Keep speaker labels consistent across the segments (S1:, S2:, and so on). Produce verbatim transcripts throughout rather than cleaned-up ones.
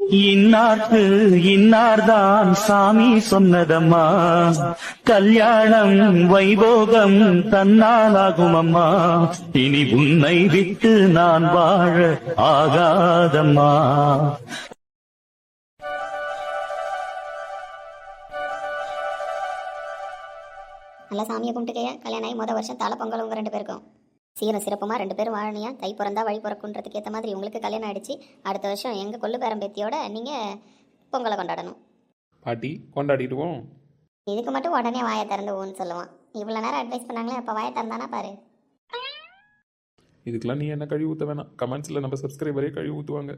S1: இன்னார்க்கு இன்னார்தான் சாமி சொன்னதம்மா, கல்யாணம் வைபோகம் தன்னாலாகும் அம்மா, இனி உன்னை விட்டு நான் வாழ ஆகாதம்மா.
S2: நல்லா சாமியை கும்பிட்டுக்கையா. கல்யாணம் ஆகி மொதல் வருஷம் தலை பொங்கல் உங்கள் ரெண்டு பேருக்கும் சீரும் சிறப்புமா ரெண்டு பேரும் வாழனியா. தை பிறந்தா வழி பிறக்குன்றதுக்கு ஏற்ற மாதிரி உங்களுக்கு கல்யாணம் ஆயிடுச்சு. அடுத்த வருஷம் எங்கள் கொள்ளு பேரம்பேத்தியோட நீங்கள் பொங்கலை கொண்டாடணும்.
S3: பாட்டி கொண்டாடிடுவோம்.
S2: இதுக்கு மட்டும் உடனே வாயை திறந்து ஊன்னு சொல்லுவான். இவ்வளோ நேரம் அட்வைஸ் பண்ணாங்களே, அப்போ வாயை திறந்தானா பாரு.
S3: இதுக்கெல்லாம் நீ என்ன கழுவி ஊற்ற வேணாம். கமெண்ட்ஸில் நம்ம சப்ஸ்கிரைபரே கழுவி ஊற்றுவாங்க.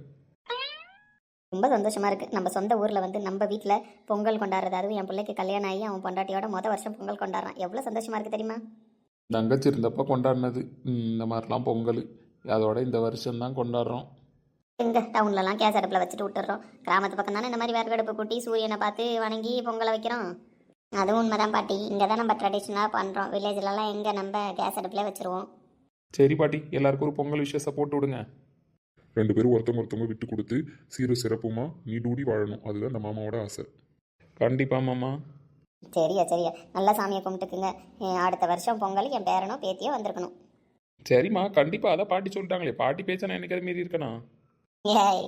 S2: ரொம்ப சந்தோஷமாக இருக்குது. நம்ம சொந்த ஊரில் வந்து நம்ம வீட்டில் பொங்கல் கொண்டாடுறது. அதுவும் என் பிள்ளைக்கு கல்யாணம் ஆகி அவன் பொண்டாட்டியோட மொதல் வருஷம் பொங்கல் கொண்டாடுறான். எவ்வளோ சந்தோஷமாக இருக்குது தெரியுமா?
S3: தங்கச்சி இருந்தப்போ கொண்டாடினது இந்த மாதிரிலாம் பொங்கல். அதோட இந்த வருஷம்தான் கொண்டாடுறோம்.
S2: எங்கே டவுன்லலாம் கேஸ் அடுப்பில் வச்சுட்டு விட்டுறோம். கிராமத்து பக்கம் தானே இந்த மாதிரி விறகு அடுப்பு கூட்டி சூரியனை பார்த்து வணங்கி பொங்கலை வைக்கிறோம். அதுவும் உண்மைதான் பாட்டி. இங்கே தான் நம்ம ட்ரெடிஷ்னலாக பண்ணுறோம். வில்லேஜ்லலாம் எங்கே நம்ம கேஸ் அடுப்பில் வச்சுருவோம்.
S3: சரி பாட்டி, எல்லாருக்கும் ஒரு பொங்கல் விஷயத்தை போட்டு விடுங்க.
S4: ரெண்டு பேரும் ஒருத்தவங்க ஒருத்தவங்க விட்டு கொடுத்து சீரு சிறப்புமா நீ டூடி வாழணும். அதுதான் இந்த மாமாவோட ஆசை.
S3: கண்டிப்பா மாமா.
S2: சரியா சரியா, நல்லா சாமியை கும்பிட்டுக்குங்க. அடுத்த வருஷம் பொங்கல் என் பேரனோ பேத்தியோ வந்திருக்கணும்.
S3: சரிம்மா, கண்டிப்பா. அதான் பாட்டி சொல்லிட்டாங்களே. பாட்டி பேச்ச நான் எனக்கு அது மீறி இருக்கனா?
S2: ஏய்,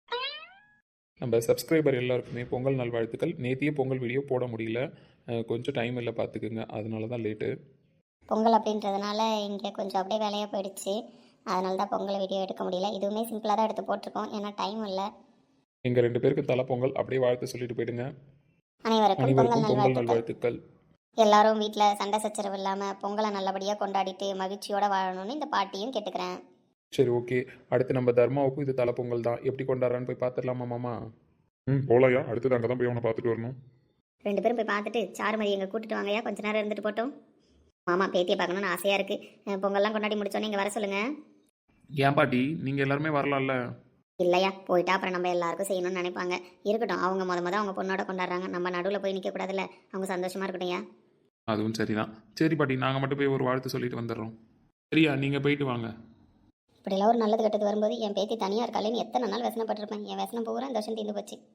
S3: நம்ம சப்ஸ்கிரைபர் எல்லாருக்குமே பொங்கல் நல்வாழ்த்துக்கள். நேத்தியே பொங்கல் வீடியோ போட முடியல, கொஞ்சம் டைம் இல்லை பார்த்துக்குங்க. அதனால தான் லேட்டு.
S2: பொங்கல் அப்படின்றதுனால இங்கே கொஞ்சம் அப்படியே வேலையாக போயிடுச்சு. அதனால தான் பொங்கல் வீடியோ எடுக்க முடியல. இதுவுமே சிம்பிளாக தான் எடுத்து போட்டிருக்கோம், ஏன்னா டைம் இல்லை.
S3: எங்கள் ரெண்டு பேருக்கு தலை பொங்கல் அப்படியே வாழ்த்து சொல்லிட்டு போயிடுங்க.
S2: அனைவருக்கும் பொங்கல் நல்வாழ்த்துக்கள்.
S3: நல்வாழ்த்துக்கள்.
S2: எல்லாரும் வீட்டில் சண்டை சச்சரவு இல்லாமல் பொங்கலை நல்லபடியாக கொண்டாடிட்டு மகிழ்ச்சியோடு வாழணும்னு இந்த பாட்டியும் கேட்டுக்கிறேன்.
S3: சரி, ஓகே. அடுத்து நம்ம தர்மாவுக்கும் இது தலை பொங்கல் தான். எப்படி கொண்டாடுறான்னு போய் பார்த்துடலாமா மாமா?
S4: ம் போலாயா. அடுத்தது அங்கே தான் போய் அவனை பார்த்துட்டு வரணும்.
S2: ரெண்டு பேரும் போய் பார்த்துட்டு சாருமதி எங்கே கூட்டிட்டு வாங்கயா. கொஞ்ச நேரம் இருந்துட்டு போட்டோம். மாமா பேத்தியை பார்க்கணுன்னு ஆசையாக இருக்குது. பொங்கல்லாம் கொண்டாடி முடிச்சோன்னே இங்கே வர சொல்லுங்கள்.
S3: ஏன் பாட்டி, நீங்கள் எல்லாருமே வரலாம்ல?
S2: இல்லையா, போயிட்டா அப்புறம் நம்ம எல்லாருக்கும் செய்யணும்னு நினைப்பாங்க. இருக்கட்டும், அவங்க முத முத அவங்க பொண்ணோட கொண்டாடுறாங்க. நம்ம நடுவில் போய் நிற்கக்கூடாதுல்ல. அவங்க சந்தோஷமாக இருக்கட்டும். ஏன்?
S3: அதுவும் சரிதான். சரி பாட்டி, நாங்கள் மட்டும் போய் ஒரு வாழ்த்து சொல்லிட்டு வந்துடுறோம். சரியா, நீங்கள் போயிட்டு வாங்க.
S2: இப்படிலாம் ஒரு நல்லது கெட்டது வரும்போது என் பேத்தி தனியாக இருக்காளேன்னு எத்தனை நாள் வசனப்பட்டிருப்பேன். என் வசனம் பூரா இந்த வருஷம் தீர்ந்து போச்சு.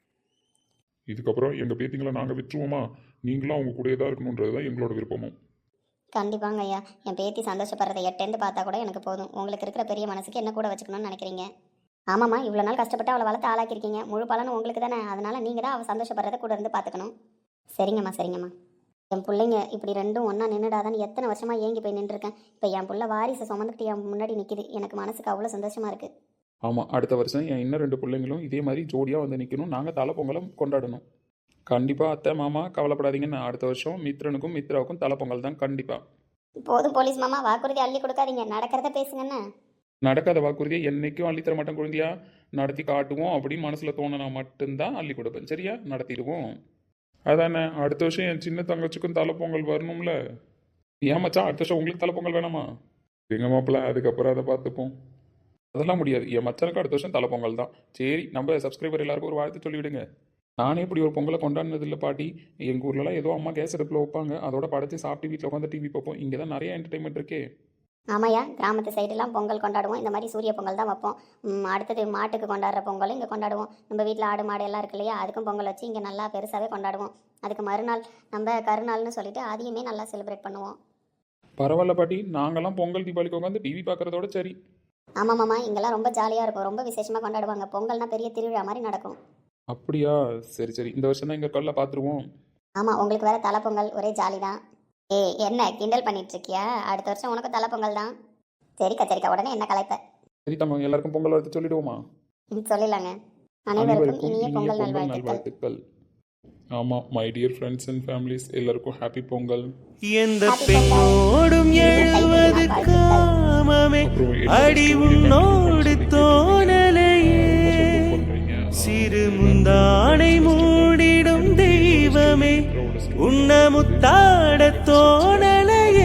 S4: இதுக்கப்புறம் எங்கள் பேத்திங்களை நாங்கள் விட்டுருவோமா? நீங்களும் அவங்க கூடயே தான் இருக்கணுன்றது தான் எங்களோட விருப்பமும்.
S2: கண்டிப்பாங்க ஐயா. என் பேத்தி சந்தோஷப்படுறதை எட்டேந்து பார்த்தா கூட எனக்கு போதும். உங்களுக்கு இருக்கிற பெரிய மனசுக்கு என்ன கூட வச்சுக்கணும்னு நினைக்கிறீங்க. ஆமாம்மா, இவ்வளோ நாள் கஷ்டப்பட்டு அவளை வளர்த்து ஆளாக்கிருக்கீங்க. முழு பலனும் உங்களுக்கு தானே. அதனால் நீங்கள் தான் அவள் சந்தோஷப்படுறதை கூட இருந்து பார்த்துக்கணும். சரிங்கம்மா சரிங்கம்மா. என் பிள்ளைங்க இப்படி ரெண்டும் ஒன்றா நின்றுடாதான்னு எத்தனை வருஷமாக ஏங்கி போய் நின்றுருக்கேன். இப்போ என் பிள்ளை வாரிசை சுமந்துக்கிட்டு என் முன்னாடி நிற்கிது. எனக்கு மனசுக்கு அவ்வளோ சந்தோஷமாக இருக்குது.
S3: ஆமாம், அடுத்த வருஷம் என் இன்னும் ரெண்டு பிள்ளைங்களும் இதே மாதிரி ஜோடியாக வந்து நிற்கணும். நாங்கள் தலை பொங்கலும் கொண்டாடணும். கண்டிப்பாக அத்தை மாமா கவலைப்படாதீங்கன்னு. அடுத்த வருஷம் மித்ரனுக்கும் மித்ராவுக்கும் தலை பொங்கல் தான் கண்டிப்பாக.
S2: போதும் போலீஸ் மாமா, வாக்குறுதி அள்ளி கொடுக்காதீங்க. நடக்கிறத பேசுங்கண்ணே.
S3: நடக்காத வாக்குறுதியை என்றைக்கும் அள்ளித்தர மாட்டேன் குழந்தையா. நடத்தி காட்டுவோம் அப்படின்னு மனசில் தோணுனா மட்டும்தான் அள்ளி கொடுப்பேன். சரியா, நடத்திடுவோம். அதானே, அடுத்த வருஷம் என் சின்ன தங்கச்சிக்கும் தலை பொங்கல் வரணும்ல. ஏன் மச்சான், அடுத்த வருஷம் உங்களுக்கு தலை பொங்கல் வேணாமா? எங்க மாப்பிள்ள, அதுக்கப்புறம் அதை பார்த்துப்போம். அதெல்லாம் முடியாது. என் மச்சானுக்கு அடுத்த வருஷம் தலை பொங்கல் தான். சரி, நம்ம சப்ஸ்கிரைபர் எல்லாருக்கும் ஒரு வாழ்த்து சொல்லிவிடுங்க. நானே இப்படி ஒரு பொங்கலை கொண்டாடினது இல்லை பாட்டி. எங்கள் ஊர்லலாம் ஏதோ அம்மா கேஸ் அடுப்பில் வைப்பாங்க. அதோட படைச்சி சாப்பிட்டு வீட்டில் உட்காந்து டிவி பார்ப்போம். இங்கே தான் நிறைய என்டர்டைன்மெண்ட் இருக்கே.
S2: ஆமாயா, கிராமத்து சைடெல்லாம் பொங்கல் கொண்டாடுவோம். இந்த மாதிரி சூரிய பொங்கல் தான் வைப்போம். அடுத்தது மாட்டுக்கு கொண்டாடுற பொங்கலும் இங்கே கொண்டாடுவோம். நம்ம வீட்டில் ஆடு மாடு எல்லாம் இருக்கு இல்லையா, அதுக்கும் பொங்கல் வச்சு இங்கே நல்லா பெருசாகவே கொண்டாடுவோம். அதுக்கு மறுநாள் நம்ம கருநாள்னு சொல்லிட்டு அதையுமே நல்லா செலிப்ரேட் பண்ணுவோம்.
S3: பரவாயில்ல பாட்டி, நாங்கள்லாம் பொங்கல் தீபாவளிக்கு உட்காந்து டிவி பார்க்குறதோட சரி.
S2: ஆமாம் மாமா, இங்கெல்லாம் ரொம்ப ஜாலியாக இருக்கும். ரொம்ப விசேஷமாக கொண்டாடுவாங்க. பொங்கல்னா பெரிய திருவிழா மாதிரி நடக்கும்.
S3: அப்படியா? சரி சரி, இந்த வருஷம் தான் எங்கள் கல்ல பார்த்துருவோம்.
S2: ஆமாம், உங்களுக்கு வேறு தலை பொங்கல், ஒரே ஜாலி தான். ஏ என்ன கிண்டல் பண்ணிட்டு இருக்கியா? அடுத்த வருஷம் உனக்கு தலை பொங்கல் தான். சரிக்கா சரிக்கா, உடனே என்ன கலைப்ப?
S3: சரி தம்மா, எல்லாருக்கும் பொங்கல் வாழ்த்து சொல்லிடுவோமா?
S2: சொல்லிடலாங்க. அனைவருக்கும் இனிய பொங்கல் நல்வாழ்த்துக்கள்.
S3: ஆமாம், my dear friends and families, எல்லாருக்கும் ஹாப்பி பொங்கல்.
S1: எந்த பெண்ணோடும் எழுவது காமமே அடி உன்னோடு தோணலையே, சிறு முந்தானை மூடிடும் தெய்வமே உன்னமுத்தாட தோணலையே,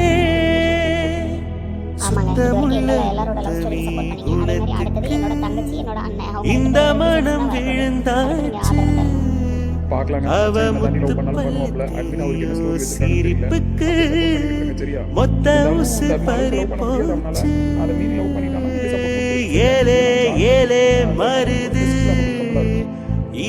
S1: இந்த மனம் விழுந்தாச்சு அவ முத்து சிரிப்புக்கு மொத்த உசு பறி போச்சு, ஏலே ஏலே மருது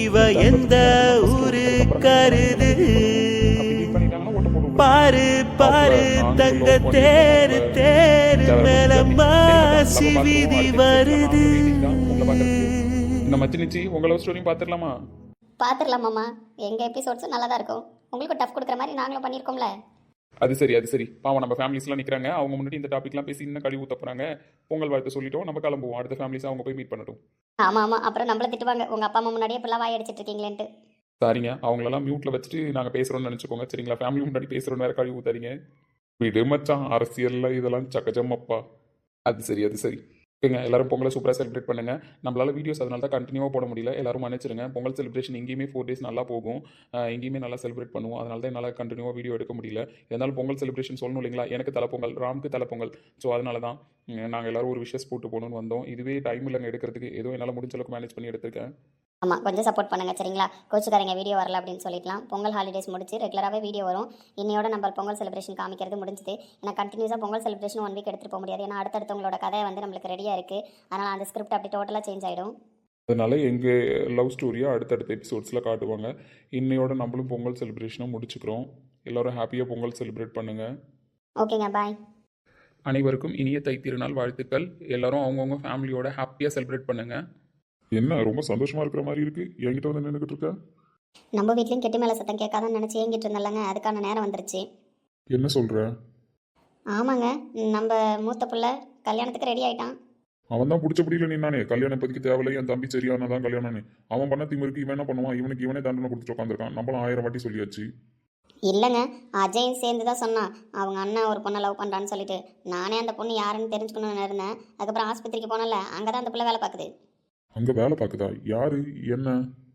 S1: இவ எந்த ஊரு கருது
S3: பண்ணிட்டாங்கன்னா ஓட்ட போட்டு விடுங்க.
S1: பாரு பாரு தங்க தேரு தேரு மேல மாசி வீதி வருது.
S3: இந்த மச்சி நிச்சி உங்க லவ் ஸ்டோரியும் பார்த்துடலாமா?
S2: பார்த்துடலாம் மாமா, எங்கள் எபிசோட்ஸும் நல்லா தான் இருக்கும். உங்களுக்கு டஃப் கொடுக்குற மாதிரி நாங்களும் பண்ணியிருக்கோம்ல.
S3: அது சரி அது சரி பாவம் நம்ம ஃபேமிலிஸ்லாம் நிற்கிறாங்க. அவங்க முன்னாடி இந்த டாபிக்லாம் பேசி இன்னும் கழிவு ஊத்த போகிறாங்க. பொங்கல் வாழ்த்து சொல்லிட்டோம், நம்ம கிளம்புவோம். அடுத்த ஃபேமிலிஸ் அவங்க போய் மீட் பண்ணட்டும்.
S2: ஆமாம் ஆமாம், அப்புறம் நம்மள திட்டுவாங்க உங்கள் அப்பா அம்மா முன்னாடியே இப்பெல்லாம் வாய் அடிச்சிட்டு இருக்கீங்களேன்ட்டு.
S3: சரிங்க, அவங்களெல்லாம் மியூட்டில் வச்சுட்டு நாங்கள் பேசுகிறோம்னு நினச்சிக்கோங்க சரிங்களா? ஃபேமிலி முன்னாடி பேசுகிறோன்னு வேறு கழிவு ஊத்தாதீங்க. விடு மச்சான், அரசியலில் இதெல்லாம் சகஜமப்பா. அது சரி அது சரி ஓகேங்க. எல்லாரும் பொங்கலை சூப்பராக செலிப்ரேட் பண்ணுங்க. நம்மளால வீடியோஸ் அதனால தான் கண்டினியூவாக போட முடியல. எல்லாரும் மன்னிச்சிருங்க. பொங்கல் செலிப்ரேஷன் எங்கேயுமே ஃபோர் டேஸ் நல்லா போகும். அஹ் எங்கேயுமே நல்லா செலிப்ரேட் பண்ணுவோம். அதனால தான் என்னால் கண்டினியூவாக வீடியோ எடுக்க முடியல. இருந்தாலும் பொங்கல் செலிப்ரேஷன் சொல்லணும் இல்லைங்களா? எனக்கு தலைப்பொங்கல், ராமுக்கு தலைப்பொங்கல். ஸோ அதனால தான் நாங்கள் எல்லாரும் ஒரு விஷஸ் போட்டு போகணும்னு வந்தோம். இதுவே டைம் இல்லைங்க எடுக்கிறதுக்கு. ஏதோ என்னால் முடிஞ்ச அளவுக்கு மேனேஜ் பண்ணி எடுத்திருக்கேன்.
S2: ஆமாம், கொஞ்சம் சப்போர்ட் பண்ணுங்க சரிங்களா? கோச்சுக்காரங்க வீடியோ வரல அப்படின்னு சொல்லிக்கலாம். பொங்கல் ஹாலிடேஸ் முடிச்சு ரெகுலராகவே வீடியோ வரும். இன்னையோட நம்ம பொங்கல் செலிப்ரேஷன் காமிக்கிறது முடிஞ்சுது. ஏன்னா கண்டினியூஸாக பொங்கல் செலிப்ரேஷன் ஒன் வீக் எடுத்துகிட்டு போக முடியாது. ஏன்னா அடுத்தடுத்தவங்களோட கதை வந்து நம்மளுக்கு ரெடியாக இருக்குது. அதனால் அந்த ஸ்கிரிப்ட் அப்படி டோட்டலாக சேஞ்ச் ஆகிடும்.
S3: அதனால எங்கள் லவ் ஸ்டோரியை அடுத்தடுத்த எபிசோட்ஸில் காட்டுவாங்க. இன்னையோட நம்மளும் பொங்கல் செலிப்ரேஷனும் முடிச்சுக்கிறோம். எல்லோரும் ஹாப்பியாக பொங்கல் செலிப்ரேட் பண்ணுங்கள்.
S2: ஓகேங்க, பாய்.
S3: அனைவருக்கும் இனிய தை திருநாள் வாழ்த்துக்கள். எல்லாரும் அவங்கவுங்க ஃபேமிலியோட ஹாப்பியாக செலிப்ரேட் பண்ணுங்கள்.
S4: என்ன ரொம்ப சந்தோஷமா இருக்கிற மாதிரி இருக்கு, என்கிட்ட வந்து நின்றுக்கிட்டு இருக்க?
S2: நம்ம வீட்லேயும் கெட்டி மேலே சத்தம் கேட்காதான்னு நினச்சி ஏங்கிட்டு இருந்தல்லங்க, அதுக்கான நேரம் வந்துருச்சு.
S4: என்ன சொல்ற?
S2: ஆமாங்க, நம்ம மூத்த பிள்ளை கல்யாணத்துக்கு ரெடி ஆகிட்டான்.
S4: அவன் தான் பிடிச்சபடியில் நின்னானே, கல்யாணம் இப்போதைக்கு தேவையில்லை, என் தம்பி சரியானதான் கல்யாணம்னு. அவன் பண்ண திமிருக்கு இவன் என்ன பண்ணுவான்? இவனுக்கு இவனே தண்டனை கொடுத்துட்டு உட்காந்துருக்கான். நம்மளும் ஆயிரம் வாட்டி சொல்லியாச்சு.
S2: இல்லைங்க, அஜயும் சேர்ந்து தான் சொன்னான் அவங்க அண்ணன் ஒரு பொண்ணை லவ் பண்ணுறான்னு சொல்லிட்டு. நானே அந்த பொண்ணு யாருன்னு தெரிஞ்சுக்கணும்னு இருந்தேன். அதுக்கப்புறம் ஆஸ்பத்திரிக்கு போனல, அங்கே தான் அந்த பிள்ளை வேலை பார்க்குது.
S4: அங்க வேலை பார்க்குதா? யாரு? என்ன?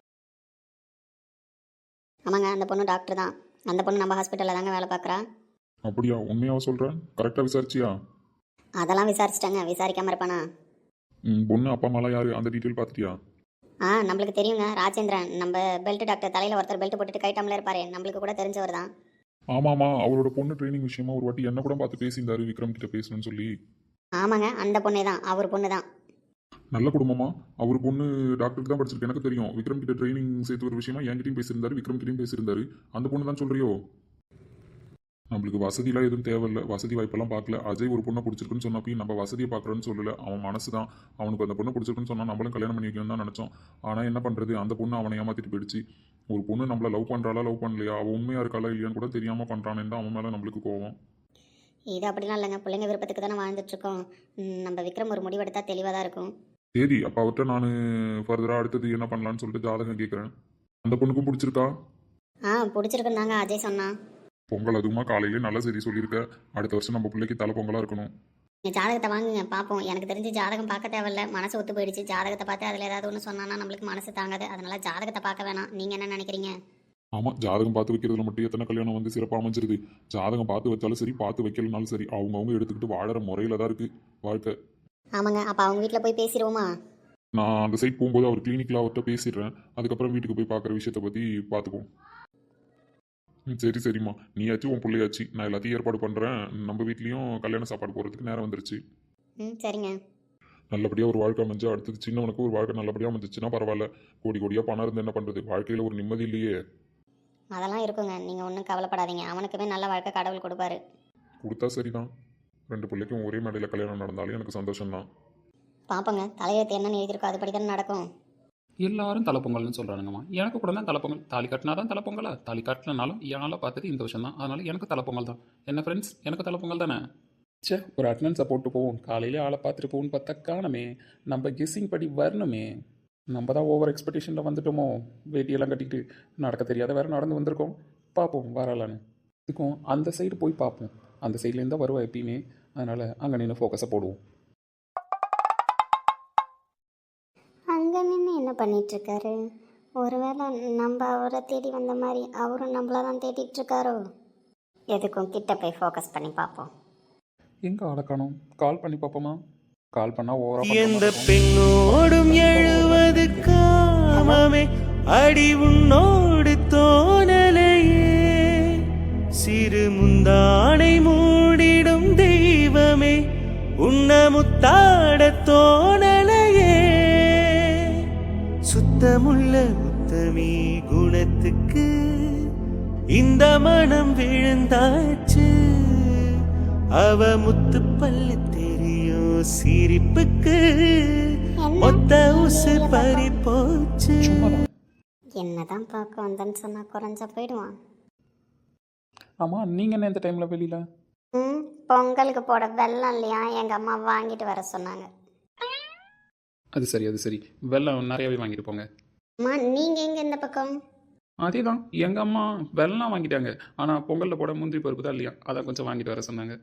S2: ஆமாங்க, அந்த பொண்ணு டாக்டர் தான். அந்த பொண்ணு நம்ம ஹாஸ்பிட்டலில் தாங்க வேலை பார்க்குறா.
S4: அப்படியா? உண்மையாவா சொல்கிறேன்? கரெக்டாக விசாரிச்சியா?
S2: அதெல்லாம் விசாரிச்சிட்டாங்க, விசாரிக்காமல் இருப்பானா?
S4: ம் பொண்ணு அப்பா அம்மாலாம் யாரு? அந்த டீட்டெயில் பார்த்துட்டியா?
S2: ஆ, நம்மளுக்கு தெரியுங்க, ராஜேந்திரன். நம்ம பெல்ட் டாக்டர் தலையில் ஒருத்தர் பெல்ட் போட்டுட்டு கைட்டாமலே இருப்பாரு, நம்மளுக்கு கூட தெரிஞ்சவர் தான்.
S4: ஆமாம்மா, அவரோட பொண்ணு ட்ரைனிங் விஷயமா ஒரு வாட்டி என்ன கூட பார்த்து பேசியிருந்தாரு, விக்ரம் கிட்ட பேசணும்னு சொல்லி.
S2: ஆமாங்க, அந்த பொண்ணே தான், அவர் பொண்ணு தான்.
S4: நல்ல குடும்பமா? அவர் பொண்ணு டாக்டருக்கு தான் படிச்சிருக்கு, எனக்கு தெரியும். விக்ரம் கிட்ட ட்ரைனிங் சேர்த்து ஒரு விஷயமா என்கிட்டயும் பேசியிருந்தாரு, விக்ரம் கிட்டையும் பேசியிருந்தாரு. அந்த பொண்ணு தான் சொல்றியோ? நம்மளுக்கு வசதியெல்லாம் எதுவும் தேவையில்லை, வசதி வாய்ப்பெல்லாம் பார்க்கல. அஜய் ஒரு பொண்ணை பிடிச்சிருக்குன்னு சொன்னப்பையும் நம்ம வசதியை பார்க்குறோன்னு சொல்லலை. அவன் மனசு தான், அவனுக்கு அந்த பொண்ணை பிடிச்சிருக்குன்னு சொன்னால் நம்மளும் கல்யாணம் பண்ணி வைக்கணும்னு தான் நினச்சோம். ஆனால் என்ன பண்ணுறது, அந்த பொண்ணு அவனை ஏமாற்றிட்டு போயிடுச்சு. ஒரு பொண்ணு நம்மளை லவ் பண்ணுறாளா லவ் பண்ணலையா, அவள் உண்மையாக இருக்காளா இல்லையான்னு கூட தெரியாமல் பண்ணுறானே தான் அவன் மேலே நம்மளுக்கு கோவம்.
S2: இது அப்படிலாம் இல்லைங்க, பிள்ளைங்க விருப்பத்துக்கு தானே வாழ்ந்துட்டுருக்கோம். நம்ம விக்ரம் ஒரு முடிவெடுத்தால் தெளிவாக தான் இருக்கும்.
S4: சரி, அப்போ அவர்கிட்ட நான் ஃபர்தராக அடுத்தது என்ன பண்ணலான்னு சொல்லிட்டு ஜாதகம் கேட்குறேன். அந்த பொண்ணுக்கும் பிடிச்சிருக்கா?
S2: ஆ, பிடிச்சிருக்குன்னு தாங்க அஜய் சொன்னான்.
S4: பொங்கல் அதுவுமா காலையிலே நல்ல செய்தி சொல்லியிருக்க. அடுத்த வருஷம் நம்ம பிள்ளைக்கு தலை பொங்கலாக இருக்கணும்.
S2: நீங்கள் ஜாதகத்தை வாங்குங்க பார்ப்போம். எனக்கு தெரிஞ்சு ஜாதகம் பார்க்க தேவையில்ல, மனசு ஒத்து போயிடுச்சு. ஜாதகத்தை பார்த்து அதில் ஏதாவது ஒன்று சொன்னான்னா நம்மளுக்கு மனசு தாங்காது. அதனால ஜாதகத்தை பார்க்க வேணாம். நீங்கள் என்ன நினைக்கிறீங்க?
S4: ஆமாம், ஜாதகம் பார்த்து வைக்கிறதுல மட்டும் எத்தனை கல்யாணம் வந்து சிறப்பாக அமைஞ்சிருது. ஜாதகம் பார்த்து வச்சாலும் சரி, பார்த்து வைக்கலனாலும் சரி, அவங்கவுங்க எடுத்துக்கிட்டு வாழற முறையில் தான் இருக்குது வாழ்க்கை.
S2: ஆமாங்க, அப்போ அவங்க வீட்டில் போய் பேசிடுவோமா?
S4: நான் அந்த சைட் போகும்போது அவர் கிளினிக்கில் அவர்கிட்ட பேசிடுறேன். அதுக்கப்புறம் வீட்டுக்கு போய் பார்க்குற விஷயத்தை பற்றி பார்த்துப்போம். ம் சரி சரிம்மா, நீயாச்சு உன் பிள்ளையாச்சு, நான் எல்லாத்தையும் ஏற்பாடு பண்ணுறேன். நம்ம வீட்லேயும் கல்யாண சாப்பாடு போகிறதுக்கு நேரம் வந்துருச்சு.
S2: ம் சரிங்க.
S4: நல்லபடியாக ஒரு வாழ்க்கை அமைஞ்சு அடுத்தது சின்னவனுக்கு ஒரு வாழ்க்கை நல்லபடியாக அமைஞ்சிச்சுன்னா பரவாயில்ல. கோடி கோடியாக பணம் இருந்து என்ன பண்ணுறது, வாழ்க்கையில் ஒரு நிம்மதி இல்லையே.
S2: அதெல்லாம் இருக்குங்க, நீங்கள் ஒன்றும் கவலைப்படாதீங்க. அவனுக்குமே நல்ல வாழ்க்கை கடவுள் கொடுப்பாரு.
S4: கொடுத்தா சரிதான். ரெண்டு பிள்ளைக்கும் ஒரே மேடையில் கல்யாணம் நடந்தாலும் எனக்கு சந்தோஷம்தான்.
S2: பார்ப்போங்க, தலையெழுத்து என்னன்னு எழுதியிருக்கோ அதுபடி தானே நடக்கும்.
S3: எல்லாரும் தலைப்பொங்கல்னு சொல்கிறானுங்கம்மா. எனக்கு கூட தான் தலைப்பொங்கல். தாலி கட்டினா தான் தலைப்பொங்கலா? தாலி கட்டினாலும் என்னால் பார்த்தது இந்த வருஷம் தான். அதனால் எனக்கு தலைப்பொங்கல் தான். என்ன ஃப்ரெண்ட்ஸ், எனக்கு தலைப்பொங்கல் தானே? சே, ஒரு அட்டண்டன்ஸை போட்டு போவோம். காலையிலே ஆளை பார்த்துட்டு போவோன்னு பார்த்தா காணமே. நம்ம கெஸ்ஸிங் படி வரணுமே. நம்ம தான் ஓவர் எக்ஸ்பெக்டேஷனில் வந்துட்டோமோ. வேட்டியெல்லாம் கட்டிக்கிட்டு நடக்க தெரியாத வேறு நடந்து வந்திருக்கோம். பார்ப்போம் வரலான்னு. இதுக்கும் அந்த சைடு போய் பார்ப்போம். அந்த சைட்லேருந்து தான் வருவா எப்பயுமே. அதனால் அங்கே நின்று ஃபோக்கஸை போடுவோம்.
S2: அங்கே நின்று என்ன பண்ணிகிட்ருக்காரு? ஒருவேளை நம்ம அவரை தேடி வந்த மாதிரி அவரும் நம்மள தான் தேடிட்டு இருக்காரோ? எதுக்கும் கிட்ட போய் ஃபோக்கஸ் பண்ணி பார்ப்போம்.
S3: எங்கே ஆளை காணோம்? கால் பண்ணி பார்ப்போமா? கால் பண்ணால்
S1: எந்த
S3: ஓவராக
S1: பெண்ணோடும் எழுவது காமமே அடி உன்னோடு தோணலையே, சிறு முந்தானை மூடிடும் தெய்வமே உன்ன முத்தாட தோணலையே, சுத்தமுள்ள முத்தமே முத்தத்துக்கு இந்த மனம் விழுந்தாச்சு. அவ முத்து பல்லு தெரியும் சிரிப்புக்கு மொத்த உசு பறி போச்சு.
S2: என்னதான் பார்க்க வந்தேன்னு சொன்னா குறைஞ்சா போயிடுவான்.
S3: ஆமாம் நீங்கள் என்ன இந்த டைமில் வெளியில்?
S2: ம் பொங்கலுக்கு போட வெல்லம் இல்லையா, எங்கள் அம்மா வாங்கிட்டு வர சொன்னாங்க.
S3: அது சரி அது சரி, வெள்ளம் நிறையாவே வாங்கிட்டு போங்க.
S2: அம்மா நீங்கள் எங்கே இந்த பக்கம்?
S3: அதே தான், எங்கள் அம்மா வெள்ளம் வாங்கிட்டாங்க. ஆனால் பொங்கலில் போட முந்திரி பருப்பு தான் இல்லையா, அதை கொஞ்சம் வாங்கிட்டு வர சொன்னாங்க.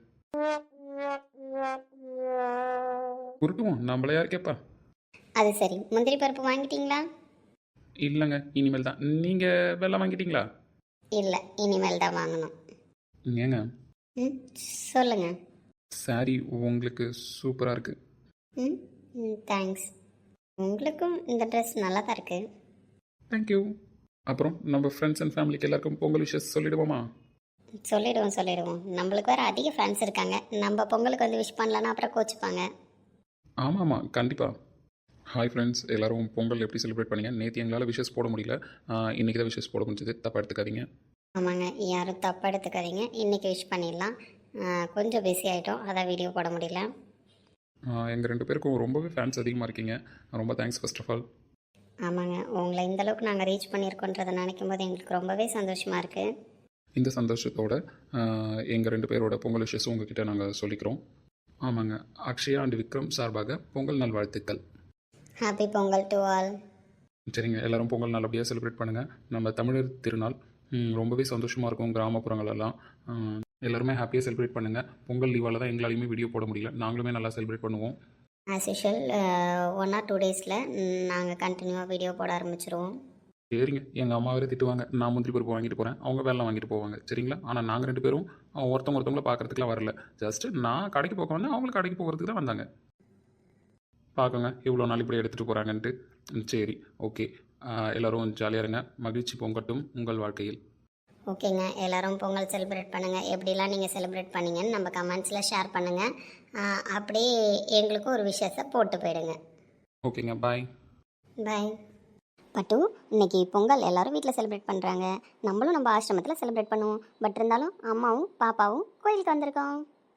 S3: உருட்டுவோம், நம்மள யார் கேட்பா?
S2: அது சரி, முந்திரி பருப்பு வாங்கிட்டீங்களா?
S3: இல்லைங்க, இனிமேல் தான். நீங்கள் வெள்ளம் வாங்கிட்டீங்களா?
S2: இல்லை, இனிமேல் தான் வாங்கணும்.
S3: ஏங்க
S2: ம் சொல்லுங்க.
S3: சாரி உங்களுக்கு சூப்பராக இருக்குது.
S2: ம் ம் தேங்க்ஸ். உங்களுக்கும் இந்த ட்ரெஸ் நல்லா தான் இருக்குது.
S3: தேங்க்யூ. அப்புறம் நம்ம ஃப்ரெண்ட்ஸ் அண்ட் ஃபேமிலிக்கு எல்லாருக்கும் பொங்கல் விஷஸ் சொல்லிடுவோமா?
S2: சொல்லிடுவோம் சொல்லிடுவோம். நம்மளுக்கு வேறு அதிக ஃபேன்ஸ் இருக்காங்க. நம்ம பொங்கலுக்கு வந்து விஷ் பண்ணலன்னா அப்புறம் கோச்சிப்பாங்க.
S3: ஆமாம் ஆமாம் கண்டிப்பாக. ஹாய் ஃப்ரெண்ட்ஸ், எல்லோரும் பொங்கல் எப்படி செலிப்ரேட் பண்ணீங்க? நேற்று எங்களால் விஷஸ் போட முடியல, இன்றைக்கி தான் விஷஸ் போட முடிஞ்சது. தப்பாக எடுத்துக்காதீங்க.
S2: ஆமாங்க, யாரும் தப்பாக எடுத்துக்காதீங்க. இன்றைக்கி விஷ் பண்ணிடலாம். கொஞ்சம் பிஸி ஆகிட்டோம், அதான் வீடியோ போட முடியல.
S3: எங்கள் ரெண்டு பேருக்கும் ரொம்பவே ஃபேன்ஸ் அதிகமாக இருக்கீங்க. ரொம்ப தேங்க்ஸ் ஃபர்ஸ்ட் ஆஃப் ஆல்.
S2: ஆமாங்க, உங்களை இந்தளவுக்கு நாங்கள் ரீச் பண்ணியிருக்கோன்றதை நினைக்கும் போது எங்களுக்கு ரொம்பவே சந்தோஷமாக இருக்குது.
S3: இந்த சந்தோஷத்தோட எங்கள் ரெண்டு பேரோட பொங்கல் விஷஸ் உங்ககிட்ட நாங்கள் சொல்லிக்கிறோம். ஆமாங்க, அக்ஷயா அண்ட் விக்ரம் சார்பாக பொங்கல் நல்வாழ்த்துக்கள்.
S2: Happy Pongal to all.
S3: சரிங்க, எல்லோரும் பொங்கல் நல்லபடியாக செலிப்ரேட் பண்ணுங்கள். நம்ம தமிழர் திருநாள் ரொம்பவே சந்தோஷமாக இருக்கும் கிராமப்புறங்களெல்லாம். எல்லாருமே ஹாப்பியாக செலிப்ரேட் பண்ணுங்கள். பொங்கல் லீவால் தான் எங்களாலையுமே வீடியோ போட முடியல, நாங்களுமே நல்லா செலிப்ரேட் பண்ணுவோம்.
S2: As usual one or two டேஸில் நாங்கள் கண்டினியூவாக வீடியோ போட ஆரம்பிச்சிருவோம்.
S3: சரிங்க, எங்கள் அம்மா வேறு திட்டுவாங்க, நான் முந்திரி பருப்பு வாங்கிட்டு போகிறேன், அவங்க வெள்ளம் வாங்கிட்டு போவாங்க. சரிங்களா? ஆனால் நாங்கள் ரெண்டு பேரும் ஒருத்தவங்க ஒருத்தவங்கள பார்க்குறதுக்குலாம் வரல. ஜஸ்ட்டு நான் கடைக்கு போக வந்தேன், அவங்களுக்கு கடைக்கு போகிறதுக்கு தான் வந்தாங்க. பார்க்குங்க இவ்வளோ நாள் இப்படி எடுத்துகிட்டு போகிறாங்கன்ட்டு. சரி, ஓகே, எல்லோரும் ஜாலியாக இருங்க. மகிழ்ச்சி பொங்கட்டும் உங்கள் வாழ்க்கையில்.
S2: ஓகேங்க, எல்லோரும் பொங்கல் செலிப்ரேட் பண்ணுங்கள். எப்படிலாம் நீங்கள் செலிப்ரேட் பண்ணீங்கன்னு நம்ம கமெண்ட்ஸில் ஷேர் பண்ணுங்கள். அப்படியே எங்களுக்கும் ஒரு விஷயத்தை போட்டு போயிடுங்க.
S3: ஓகேங்க, பாய்
S2: பாய். பட்டு, இன்னைக்கு பொங்கல் எல்லோரும் வீட்டில் செலிப்ரேட் பண்ணுறாங்க. நம்மளும் நம்ம ஆசிரமத்தில் செலிப்ரேட் பண்ணுவோம். பட் இருந்தாலும் அம்மாவும் பாப்பாவும் கோயிலுக்கு வந்திருக்கோம்.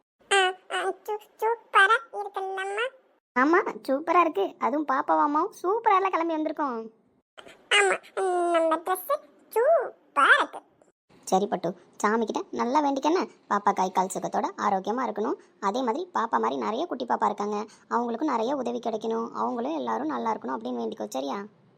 S2: ஆமாம், சூப்பராக இருக்குது. அதுவும் பாப்பாவும் அம்மாவும் சூப்பராக கிளம்பி வந்திருக்கோம். சரி பட்டு, சாமிக்கிட்ட நல்லா வேண்டிக்கண்ணே. பாப்பா கை கால் சுகத்தோட ஆரோக்கியமாக இருக்கணும். அதே மாதிரி பாப்பா மாதிரி நிறைய குட்டி பாப்பா இருக்காங்க, அவங்களுக்கும் நிறைய உதவி கிடைக்கணும், அவங்களும் எல்லாரும் நல்லா இருக்கணும் அப்படின்னு வேண்டிக்கோ. சரியா?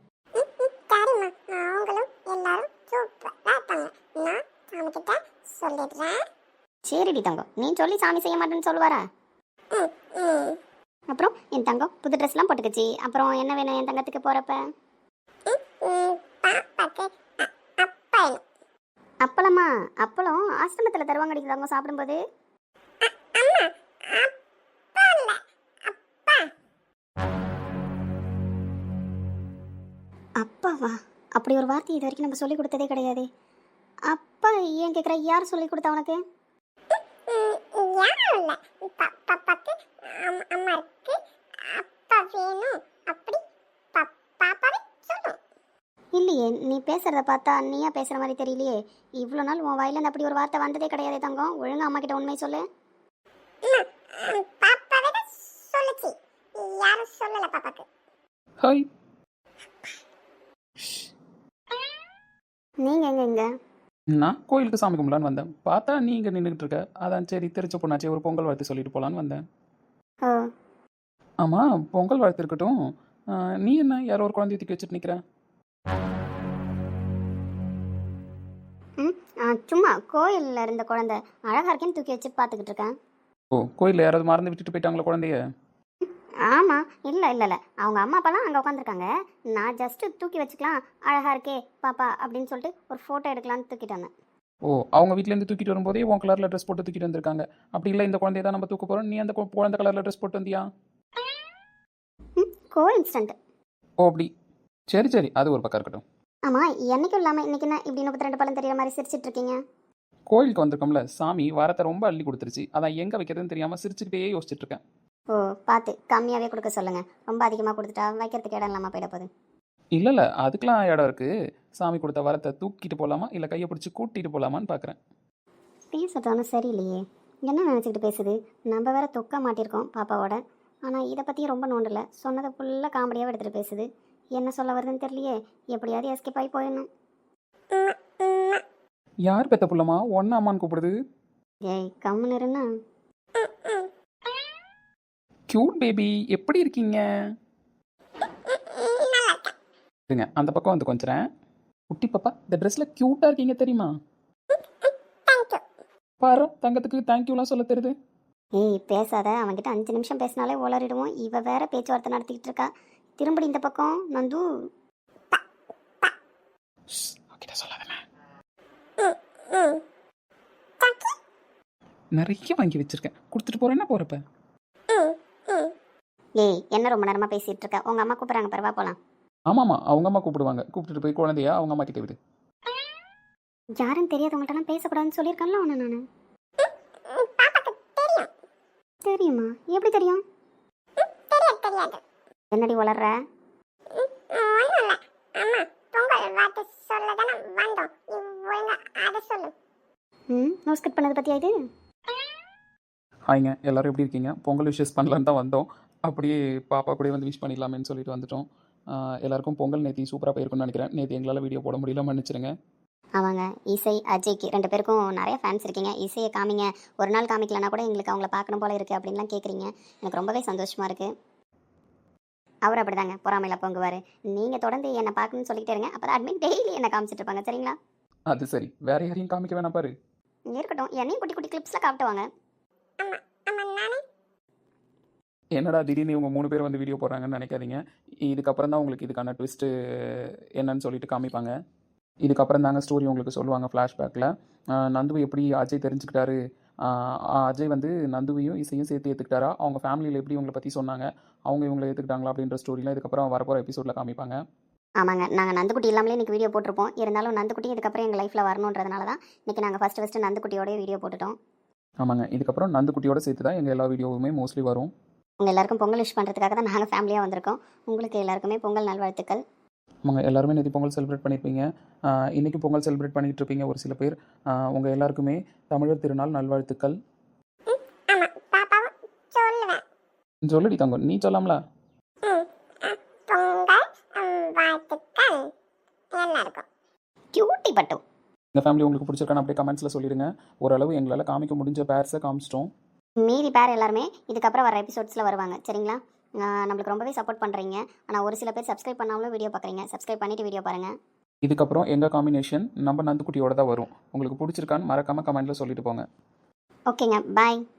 S2: சரிடி தங்கம், நீ சொல்லி சாமி செய்ய மாட்டேன்னு சொல்லுவாரா? அப்புறம் என் தங்கம் புது ட்ரெஸ்லாம் போட்டுக்குச்சு. அப்புறம் என்ன வேணும் என் தங்கத்துக்கு போகிறப்ப? அப்பளமா? அப்பளம் ஆசிரமத்தில் தருவாங்க தங்கம் சாப்பிடும்போது. அப்பாவா? அப்படி ஒரு வார்த்தை இது வரைக்கும் நம்ம சொல்லி கொடுத்ததே கிடையாது. அப்பா ஏன் கேட்குற? யார் சொல்லி கொடுத்தா உனக்கு? இல்லையே, நீ பேசுறத பார்த்தா நீயா பேசுற மாதிரி தெரியலையே. இவ்வளோ நாள் உன் வாயில அப்படி ஒரு வார்த்தை வந்ததே கிடையாது தங்கம். ஒழுங்கா அம்மா கிட்ட உண்மை சொல்லு.
S3: ஹாய்.
S2: நீங்க எங்க இங்க?
S3: நான் கோயிலுக்கு சாமி கும்பலான்னு வந்தேன். பார்த்தா நீ இங்கே நின்றுக்கிட்டு இருக்க. அதான் சரி, திருச்சி பொண்ணாச்சே ஒரு பொங்கல் வாழ்த்து சொல்லிட்டு போகலான்னு வந்தேன்.
S2: ஓ,
S3: ஆமாம், பொங்கல் வாழ்த்து இருக்கட்டும். நீ என்ன யாரோ ஒரு குழந்தைய தூக்கி வச்சுட்டு நிற்கிற?
S2: ம் சும்மா கோயிலில் இருந்த குழந்தை அழகா இருக்கேன்னு தூக்கி வச்சு பார்த்துக்கிட்டு இருக்கேன்.
S3: ஓ, கோயிலில் யாராவது மறந்து விட்டுட்டு போயிட்டாங்களா குழந்தைய?
S2: ஆமாம், இல்லை இல்லை இல்லை, அவங்க அம்மா அப்பாலாம் அங்கே உட்காந்துருக்காங்க. நான் ஜஸ்ட்டு தூக்கி வச்சுக்கலாம், அழகா இருக்கே பாப்பா அப்படின்னு சொல்லிட்டு ஒரு ஃபோட்டோ எடுக்கலான்னு தூக்கிட்டு வந்தேன்.
S3: ஓ, அவங்க வீட்டிலேருந்து தூக்கிட்டு வரும்போதே உன் கலரில் ட்ரெஸ் போட்டு தூக்கிட்டு வந்திருக்காங்க. அப்படி இல்லை, இந்த குழந்தைய தான் நம்ம தூக்க போகிறோம், நீ அந்த குழந்தை கலரில் ட்ரெஸ் போட்டு வந்தியா?
S2: ம் கோ இன்ஸ்டன்ட்.
S3: ஓ அப்படி, சரி சரி, அது ஒரு பக்கம் இருக்கட்டும்.
S2: ஆமாம், என்னைக்கும் இல்லாமல் இன்னைக்கு என்ன இப்படி முப்பத்தி ரெண்டு பழம் தெரியுற மாதிரி சிரிச்சிட்டு இருக்கீங்க?
S3: கோயிலுக்கு வந்திருக்கோம்ல, சாமி வாரத்தை ரொம்ப அள்ளி கொடுத்துருச்சு, அதான் எங்கே வைக்கிறதுன்னு தெரியாமல் சிரிச்சுக்கிட்டே யோசிச்சுட்டு இருக்கேன்.
S2: ஓ, பார்த்து கம்மியாகவே கொடுக்க சொல்லுங்கள். ரொம்ப அதிகமாக கொடுத்துட்டா வைக்கிறதுக்கு இடம் இல்லாமல் போயிட போகுது.
S3: இல்லை இல்லை அதுக்கெலாம் இடம் இருக்குது. சாமி கொடுத்த வரத்தை தூக்கிட்டு போகலாமா இல்லை கையை பிடிச்சி கூட்டிகிட்டு போகலாமான்னு பார்க்குறேன்.
S2: பேசுறதானு சரியில்லையே, என்ன நினச்சிக்கிட்டு பேசுது. நம்ம வேற தொக்க மாட்டியிருக்கோம் பாப்பாவோட. ஆனால் இதை பற்றியும் ரொம்ப நோண்டலை. சொன்னதை ஃபுல்லாக காமெடியாக எடுத்துகிட்டு பேசுது. என்ன சொல்ல வருதுன்னு தெரியலையே. எப்படியாவது எஸ்கேப் ஆகி போயிடணும்.
S3: யார் பெத்த புள்ளமா ஒன்று அம்மான்னு கூப்பிடுது?
S2: ஏய் கம்முன்னு இருன்னா.
S3: க்யூட் பேபி எப்படி இருக்கீங்க? இருங்க அந்த பக்கம் வந்து கொஞ்சம். குட்டி பாப்பா இந்த ட்ரெஸ்ஸில் க்யூட்டாக இருக்கீங்க தெரியுமா? பாரு தங்கத்துக்கு தேங்க்யூலாம் சொல்ல தெரியுது.
S2: ஏய் பேசாத, அவன்கிட்ட அஞ்சு நிமிஷம் பேசினாலே உளறிடுவோம். இவ வேற பேச்சுவார்த்தை நடத்திக்கிட்டு இருக்கா. திரும்படி இந்த பக்கம் நந்து.
S3: அவகிட்ட சொல்லாதே. நிறைய வாங்கி வச்சிருக்கேன், கொடுத்துட்டு போறேன்னா போறப்ப.
S2: ஏய் என்ன ரொம்ப நேரமா பேசிட்டு இருக்க? உங்க அம்மா கூப்பிடுறாங்க, பரவா போலாம்.
S3: ஆமாம்மா அவங்க அம்மா கூப்பிடுவாங்க, கூப்பிட்டுட்டு போய் குழந்தையா அவங்க அம்மா கிட்ட விடு.
S2: யாருன்னு தெரியாதவங்கள்ட்டலாம் பேசக்கூடாதுன்னு சொல்லியிருக்கேன்ல உன்னை நான். தெரியுமா? எப்படி தெரியும்? என்னடி வளர்ற? ம் நோஸ் கட் பண்ணது பத்தியா இது?
S3: ஹாய்ங்க எல்லாரும் எப்படி இருக்கீங்க? பொங்கல் விஷஸ் பண்ணலான்னு தான் வந்தோம். அப்படியே பாப்பா கூட வந்து விஷ் பண்ணிடலாமேன்னு சொல்லிட்டு வந்துட்டோம். ஆஹ் எல்லாருக்கும் பொங்கல் நேத்தி சூப்பராக போயிருக்குன்னு நினைக்கிறேன். நேற்று எங்களால் வீடியோ போட முடியல, மன்னிச்சிருங்க.
S2: அவங்க இசை அஜய்க்கு ரெண்டு பேருக்கும் நிறைய ஃபேன்ஸ் இருக்கீங்க. இசையை காமிங்க, ஒரு நாள் காமிக்கலன்னா கூட எங்களுக்கு அவங்கள பார்க்கணும் போல இருக்குது அப்படின்லாம் கேட்குறீங்க. எனக்கு ரொம்பவே சந்தோஷமாக இருக்குது. அவர் அப்படிதாங்க பொறாமையில் பொங்குவார். நீங்கள் தொடர்ந்து என்னை பார்க்கணும்னு சொல்லிக்கிட்டே இருங்க, அப்போ தான் அட்மின் டெய்லி என்னை காமிச்சிட்டு இருப்பாங்க, சரிங்களா?
S3: அது சரி, வேற யாரையும் காமிக்க வேணாம் பாரு.
S2: இருக்கட்டும், என்னையும் குட்டி குட்டி கிளிப்ஸில் காட்டுவாங்க.
S3: என்னடா திடீர்னு இவங்க மூணு பேர் வந்து வீடியோ போடுறாங்கன்னு நினைக்காதீங்க. இதுக்கப்புறம் தான் உங்களுக்கு இதுக்கான ட்விஸ்ட்டு என்னன்னு சொல்லிட்டு காமிப்பாங்க. இதுக்கப்புறம் தாங்க ஸ்டோரி உங்களுக்கு சொல்லுவாங்க ஃப்ளாஷ்பேக்கில். நந்துவை எப்படி அஜய் தெரிஞ்சுக்கிட்டாரு, ஆஹ் அஜய் வந்து நந்துவையும் இசையும் சேர்த்து ஏற்றுக்கிட்டாரா, அவங்க ஃபேமிலியில் எப்படி இவங்களை பற்றி சொன்னாங்க, அவங்க இவங்களை ஏற்றுக்கிட்டாங்களா அப்படின்ற ஸ்டோரிலாம் இதுக்கப்புறம் வரப்போகிற எபிசோடில் காமிப்பாங்க.
S2: ஆமாங்க, நாங்கள் நந்துக்குட்டி இல்லாமலே இன்றைக்கி வீடியோ போட்டிருப்போம். இருந்தாலும் நந்துக்குட்டி இதுக்கப்புறம் எங்கள் லைஃப்பில் வரணுன்றதுனால தான் இன்றைக்கி நாங்கள் ஃபஸ்ட்டு ஃபஸ்ட்டு நந்துக்குட்டியோடய வீடியோ போட்டுட்டோம்.
S3: ஆமாங்க, இதுக்கப்புறம் நந்துக்குட்டியோட சேர்த்து தான் எங்கள் எல்லா வீடியோவுமே மோஸ்ட்லி வரும்.
S2: உங்கள் எல்லாருக்கும் பொங்கல் விஷ் பண்ணுறதுக்காக தான் நாங்கள் ஃபேமிலியாக வந்திருக்கோம். உங்களுக்கு எல்லாருக்குமே பொங்கல் நல்வாழ்த்துக்கள்.
S3: ஆமாங்க, எல்லாருமே நேற்று பொங்கல் செலிப்ரேட் பண்ணியிருப்பீங்க. ஆஹ் இன்னைக்கு பொங்கல் செலிப்ரேட் பண்ணிகிட்டு இருப்பீங்க ஒரு சில பேர். ஆஹ் உங்கள் எல்லாருக்குமே தமிழர் திருநாள் நல்வாழ்த்துக்கள். சொல்லடி தங்கம், நீ சொல்லாமலா?
S2: கியூட்டி பட்டு.
S3: இந்த ஃபேமிலி உங்களுக்கு பிடிச்சிருக்கான்னு அப்படியே கமெண்ட்ஸில் சொல்லிடுங்க. ஓரளவு எங்களால் காமிக்க முடிஞ்ச பேர்ஸை காமிச்சிட்டோம்.
S2: மீதி பேர் எல்லாருமே இதுக்கப்புறம் வர எபிசோட்ஸில் வருவாங்க, சரிங்களா? ஆஹ் நம்மளுக்கு ரொம்பவே சப்போர்ட் பண்ணுறீங்க. ஆனால் ஒரு சில பேர் சப்ஸ்கிரைப் பண்ணாமலும் வீடியோ பார்க்குறீங்க. சப்ஸ்கிரைப் பண்ணிவிட்டு வீடியோ பாருங்கள்.
S3: இதுக்கப்புறம் எங்கள் காம்பினேஷன் நம்ம நந்துக்குட்டியோட தான் வரும். உங்களுக்கு பிடிச்சிருக்கான்னு மறக்காமல் கமெண்ட்டில் சொல்லிட்டு போங்க.
S2: ஓகேங்க, பாய்.